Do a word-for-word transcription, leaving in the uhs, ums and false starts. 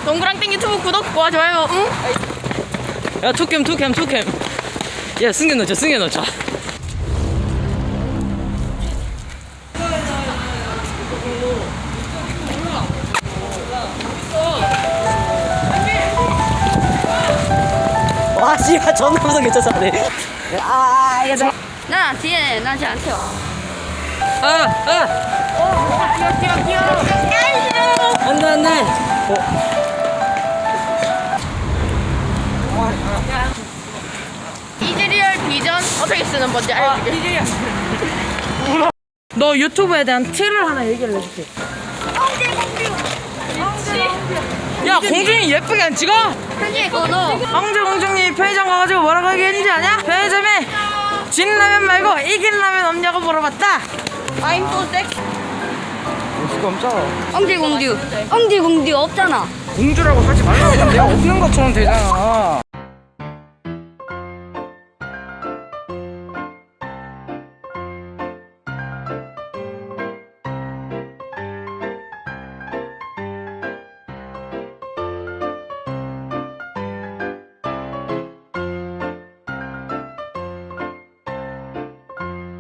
동그랑땡 유튜브 구독과 좋아요. 응? 야 투캠 투캠 투캠. 야 숨겨놓자 숨겨놓자. 와 씨발 존나 무섭게 쫓아가네. 아 얘들아. 나 뒤에 나 쟤한테 와. 아 아. 뛰어 뛰어 뛰어. 안돼 안돼. 이즈리얼 비전 어떻게 쓰는 건지 알려줄게. 너 유튜브에 대한 팁을 하나 얘기를 해줄게. 야 공중이 예쁘게 안 찍어? 편지에 걸어. 황제 공중이 편의점 가가지고 뭐라고 얘기했는지 아냐? 편의점에 진 라면 말고 이긴 라면 없냐고 물어봤다. I'm so sexy. 지금 없잖아. 엉디 공듀. 엉디 공듀 없잖아. 공주라고 하지 말라고. 내가 없는 것처럼 되잖아.